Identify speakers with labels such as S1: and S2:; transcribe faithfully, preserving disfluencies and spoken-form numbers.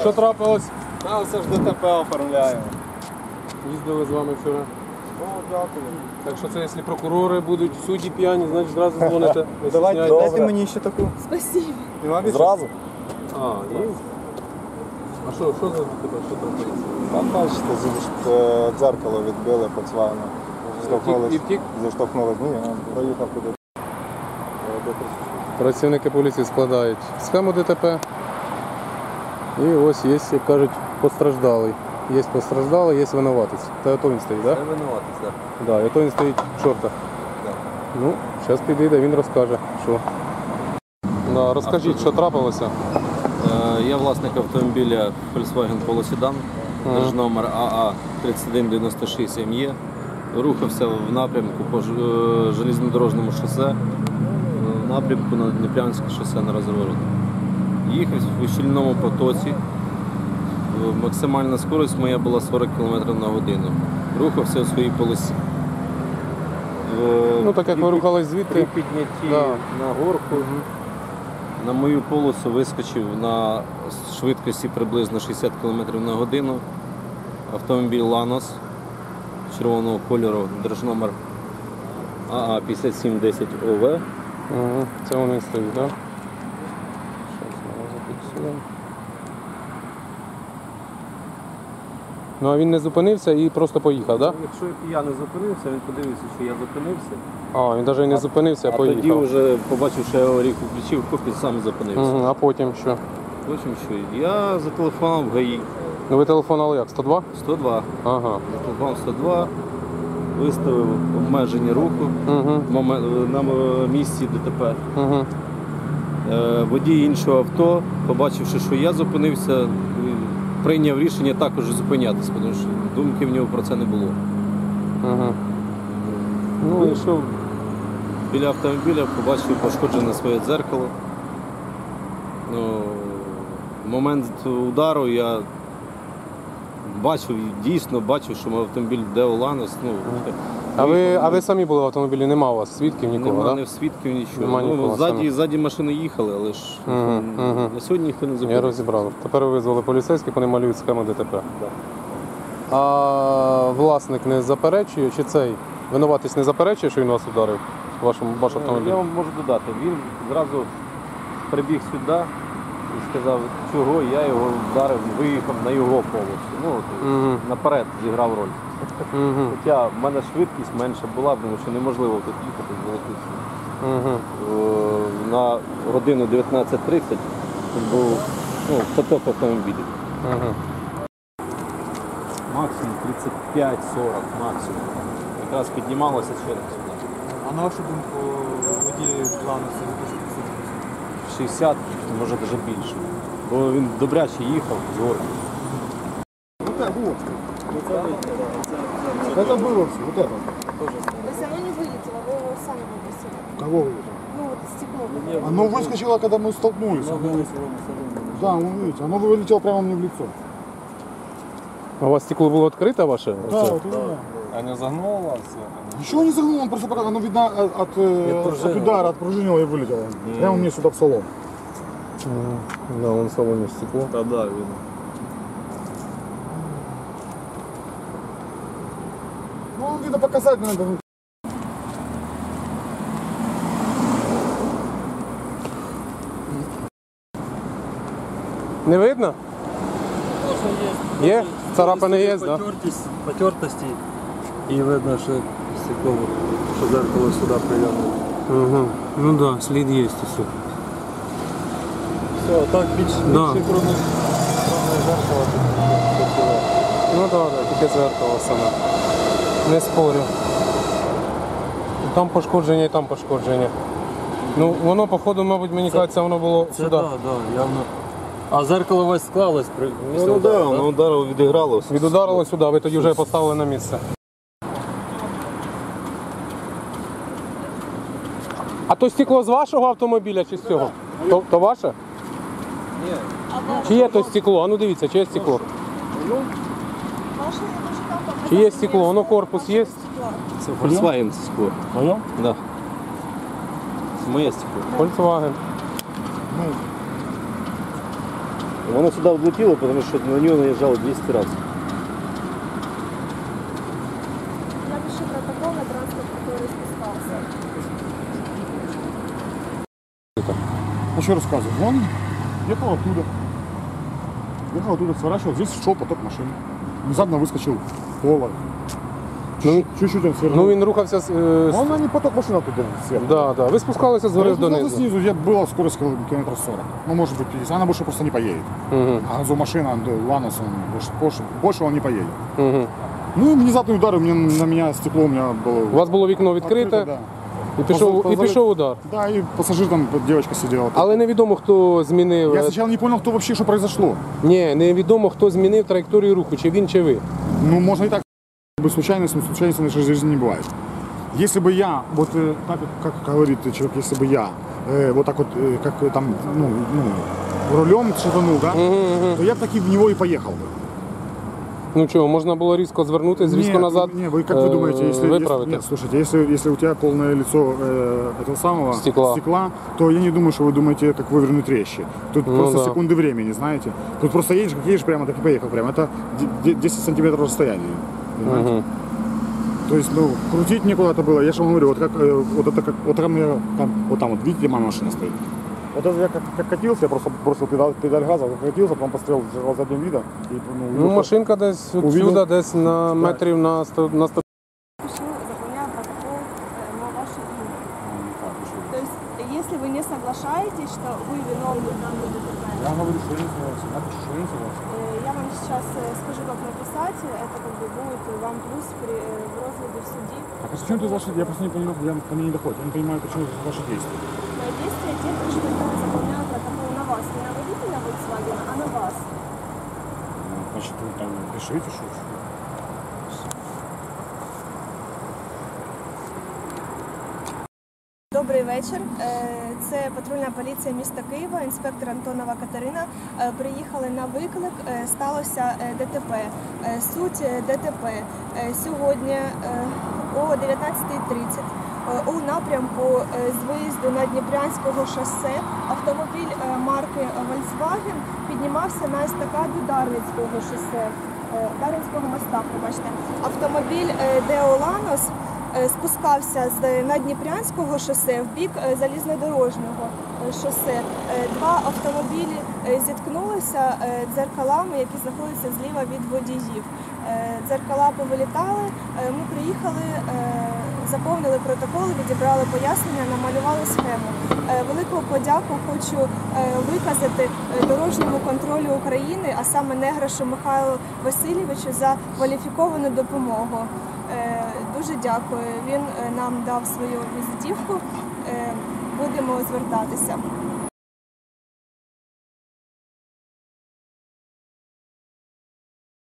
S1: Що трапилось?
S2: Та все ж ДТП оформляємо.
S1: Їздили з вами вчора.
S2: О, дякую.
S1: Так що це, якщо прокурори будуть, судді п'яні, значить зразу дзвоните. Не
S2: Давайте,
S1: стісняйтесь.
S2: дайте мені ще таку.
S3: Спасибо.
S2: Нема більше?
S4: Зразу?
S1: А, є? А що, що за тебе, що трапилось?
S4: Там, бачите, зі- е, дзеркало відбили Volkswagen.
S1: І втік?
S4: Заштовхнулись. Ні, я проїхав туди.
S1: Працівники поліції складають схему ДТП. І ось є, як кажуть, постраждалий. Є постраждалий, є винуватець. Та ото він стоїть, так?
S2: Я винуватий, так.
S1: Да? Так, ото він стоїть в шортах. Ну, зараз підійде, він розкаже, що. Да, розкажіть, що трапилося.
S5: Я власник автомобіля Volkswagen Polo Sedan,
S1: Ага.
S5: держномер А А тридцять один дев'яносто шість М Е. Рухався в напрямку по ж- е, железнодорожному шосе, е, в напрямку на Дніпрянське шосе на розворот. Їхав у щільному потоці. Е, Максимальна скорість моя була сорок кілометрів на годину. Рухався у своїй полосі. Е,
S1: Ну, так як ви
S5: при-
S1: рухались
S5: При
S1: звідти.
S5: піднятті
S1: Да.
S5: на горку на мою полосу вискочив на швидкості приблизно шістдесят кілометрів на годину автомобіль Lanos червоного кольору, держномер А А п'ятдесят сім десять О В.
S1: Ага, це вони стоїть, так? Да? Щас ми зафіксуємо. Ну а він не зупинився і просто поїхав, так?
S5: Якщо я не зупинився, він подивився, що я зупинився.
S1: Да? А, він навіть і не зупинився, а
S5: А тоді
S1: поїхав.
S5: вже побачив, що я аварійку включив, хоп, і сам зупинився.
S1: Угу, а потім що?
S5: Потім що? Я зателефонував в ГАІ
S1: Ну ви телефонували як? сто два?
S5: сто два.
S1: Ага.
S5: Зателефонував сто два, виставив обмеження руху
S1: Угу.
S5: в момен- на м- місці ДТП.
S1: Угу.
S5: Е, Водій іншого авто, побачивши, що я зупинився, е, прийняв рішення також зупинятися, тому що думки в нього про це не було.
S1: Угу.
S5: Ну, вийшов біля автомобіля, побачив пошкоджене своє дзеркало. Ну, в момент удару я бачив, дійсно бачив, що мій автомобіль Део Lanos. Ну,
S1: А ви, а ви самі були в автомобілі, нема у вас свідків нікого,
S5: Нема
S1: так?
S5: ні свідків, нічого.
S1: Нема
S5: Ну,
S1: нікого,
S5: ззаді,
S1: самі.
S5: ззаді машини їхали, але ж
S1: Мгм, мгм.
S5: на сьогодні ніхто не
S1: Я
S5: зупинив.
S1: розібрав. Тепер ви визвали поліцейських, вони малюють схему ДТП. А власник не заперечує, чи цей винуватець не заперечує, що він вас ударив? Вашому ваш автомобіль?
S5: Я вам можу додати. Він зразу прибіг сюди і сказав, чого я його вдарив, виїхав на його полосу. Ну, от,
S1: Мгм.
S5: наперед зіграв роль.
S1: Угу.
S5: Хоча в мене швидкість менша була, тому що неможливо тут їхати з великістю.
S1: Угу.
S5: Е, На годину дев'ятнадцять тридцять тут був ну, поток автомобілів.
S1: Угу.
S5: Максимум тридцять п'ять сорок максимум. Якраз піднімалося через сюди.
S2: А на вашу думку, водій Lanos це
S5: шістдесят, може навіть більше. Бо він добряче їхав з горки.
S4: Вот это, вот. Это было все, вот это.
S3: То есть оно не вылетело, вы его сами выбросили.
S4: Кого вылетело?
S3: Ну вот стекло.
S4: Оно выскочило, когда мы столкнулись. Да, он видите, оно вылетело прямо мне в лицо.
S1: У вас стекло було відкрите ваше?
S4: Да,
S1: Оце?
S4: вот, да.
S2: А не загнуло вас?
S4: Ничего не загнул, он просто пока, оно видно от, от, э, от удара, отпружинило и вылетело. Прямо мне сюда в салон.
S1: Мгм. Да, вон в салоні стекло.
S5: Та да, видно.
S4: Ну, он видно показать надо.
S1: Не видно? Є? Царапини є, так? Да?
S6: Потертість, потертості і видно, що стекло, що зеркало сюди прильонуло.
S1: Угу. Ну так, да, слід є усе.
S6: Все, так більш
S1: Да.
S6: більше кроме зеркала.
S1: Ну так, да, да, тільки зеркало саме. Не спорю. І там пошкодження, і там пошкодження. Ну, воно, походу, мабуть, мені кажеться, воно було
S6: Це
S1: сюди.
S6: так, да, да, явно. А зеркало весь склалось при після
S5: Ну
S6: удару,
S5: так,
S6: да?
S5: воно ударило, відіграло.
S1: Відударило сюди, ви тоді вже поставили на місце. А то стекло з вашого автомобіля чи з цього? То, то ваше? Ні. Чи є то стекло? А ну дивіться, чи є стекло?
S3: Ваше
S1: Чи є стекло? Воно корпус є?
S5: Це Volkswagen скло.
S6: Моє?
S5: Да. Це моє стекло.
S1: Volkswagen.
S5: Воно сюди влетіло, тому що на нього наїжджало двісті разів.
S3: Напиши протокол на транспорт, который спускался.
S4: Ну что рассказывать? Он ехал оттуда. Ехал оттуда, сворачивал. Здесь шел поток машин. Внезапно выскочил пола.
S1: Ну,
S4: Чуть-чуть он свернул.
S1: Ну він рухався з. е, з-
S4: Он не поток машин оттуда сверху.
S1: Да, да. Ви спускалися згори
S4: Я спускался
S1: донизу.
S4: снизу, я была скорость километров сорок. Ну, может быть, пятьдесят. Она больше просто не поедет.
S1: Угу.
S4: А газомашина, да, Ланос, он больше, больше, больше он не поедет.
S1: Угу.
S4: Ну, и внезапный удар, у меня, на меня стекло у меня было...
S1: У вас було вікно відкрите,
S4: открыто, да.
S1: і пішов, і пішов удар.
S4: Да, и пассажир там, девочка сидела.
S1: Але невідомо, хто змінив.
S4: Я
S1: е,
S4: сначала не понял, кто вообще, что произошло.
S1: Ні, невідомо, хто змінив траєкторію руху, чи він, чи ви.
S4: Ну, можно и так, как бы случайность, но случайности в нашей жизни не бывает. Если бы я, вот э, так, как говорит человек, если бы я э, вот так вот, э, как э, там, ну, ну, рулем шатанул, да, то я бы таки в него и поехал бы.
S1: Ну чого, можна було різко звернути, різко
S4: Нет,
S1: назад
S4: Не, вы как вы
S1: е,
S4: думаете, если, если
S1: виправити?
S4: нет, слушайте, если, если у тебя полное лицо э, этого самого
S1: Стекла.
S4: то я не думаю, что вы думаете, как вывернуть резче. Тут
S1: Ну
S4: просто
S1: да.
S4: секунды времени, знаете. Тут просто едешь, как едешь прямо, так и поехал прямо. Это де- десять сантиметров расстояния. Понимаете?
S1: Мгм.
S4: То есть, ну, крутить некуда это было. Я же вам говорю, вот как, э, вот это как, вот там я, там, вот там вот, видите, моя машина стоит. Вот это я как, как катился, я просто бросил педаль, педаль газа, как катился, потом пострел с задним видом. И, ну,
S1: Ну,
S4: увидел,
S1: машинка десь
S4: Увидел.
S1: отсюда, десь на метрів на сто, на сто.
S3: Пишу, заполняю протокол э, на ваше имя.
S4: как, еще.
S3: То есть, если вы не соглашаетесь, что вы виновны в данном ДТП,
S4: Я говорю, что я не согласен. Я пишу, что я не согласен.
S3: э, я вам сейчас э, скажу, как написать. Это как бы будет вам плюс при, э, в розгляде в суде.
S4: А почему ты ваши, я просто не понимаю, я ко мне не доходит. Я не понимаю, почему ваши действия.
S3: Мои действия те, что я заполняю протокол на вас. Не на водителя Volkswagen, а на вас.
S4: Ну, значит, вы там пишите, что...
S3: Добрий вечір. Е, Це патрульна поліція міста Києва, інспектор Антонова Катерина. Е, Приїхали на виклик, е, сталося е, ДТП. Е, Суть е, ДТП. Е, Сьогодні е, о дев'ятнадцята тридцять е, у напрямку е, з виїзду на Дніпрянського шосе автомобіль е, марки Volkswagen піднімався на естакаду Дарницького шосе, е, Дарницького моста, побачите. Автомобіль е, Део Ланос е, спускався з Надніпрянського шосе в бік е, залізнодорожнього е, шосе. Е, Два автомобілі е, зіткнулися е, дзеркалами, які знаходяться зліва від водіїв. Е, Дзеркала повилітали, е, ми приїхали, е, заповнили протоколи, відібрали пояснення, намалювали схему. Е, Велику подяку хочу е, виказати е, дорожньому контролю України, а саме Неграшу Михайлу Васильовичу, за кваліфіковану допомогу. Е, Дуже дякую. Він е, нам дав свою візитівку. Е, Будемо звертатися.